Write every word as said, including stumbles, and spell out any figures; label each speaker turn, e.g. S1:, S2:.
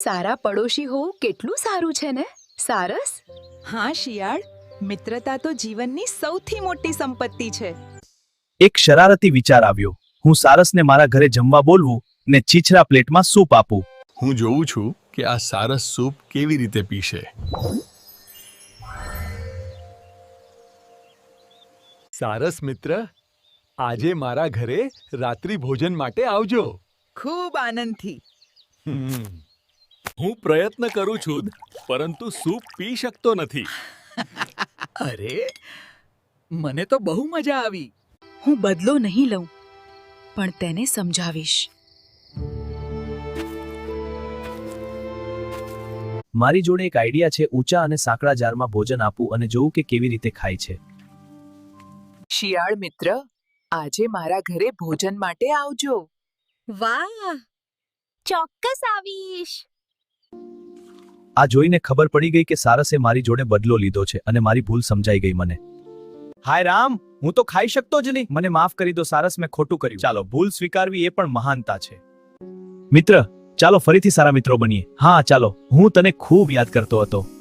S1: સારા પડોશી હોવું કેટલું સારું છે ને સારસ.
S2: હા શિયાળ, મિત્રતા તો જીવનની સૌથી મોટી સંપત્તિ છે.
S3: એક શરારતી વિચાર આવ્યો. હું સારસને મારા ઘરે જમવા બોલવું ને છીછરા પ્લેટમાં સૂપ આપું.
S4: હું જોઉં છું કે આ સારસ સૂપ કેવી રીતે પીશે.
S5: સારસ મિત્ર, આજે મારા ઘરે રાત્રિ ભોજન માટે આવજો.
S2: ખૂબ આનંદથી.
S6: હું પ્રયત્ન કરું છું પરંતુ સૂપ પી શકતો નથી.
S7: અરે, મને તો બહુ મજા આવી.
S1: હું બદલો નહીં લઉં, પણ તેને સમજાવીશ.
S3: મારી જોડે એક આઈડિયા છે. ઊંચા અને સાંકડા જારમાં ભોજન આપું અને જોઉં કે કેવી રીતે ખાય છે.
S2: શિયાળ મિત્ર, આજે મારા ઘરે ભોજન માટે આવજો.
S8: વાહ, ચોક્કસ આવીશ.
S3: આ જોઈને ખબર પડી ગઈ કે સારસે મારી જોડે બદલો લીધો છે અને મારી ભૂલ સમજાઈ ગઈ મને. હાય રામ, હું તો ખાઈ શકતો જ નહીં. મને માફ કરી દો સારસ, મેં ખોટું કર્યું. ચાલો, ભૂલ સ્વીકારવી એ પણ મહાનતા છે. મિત્ર, ચાલો ફરીથી સારા મિત્રો બનીએ. હા ચાલો, હું તને ખૂબ યાદ કરતો હતો.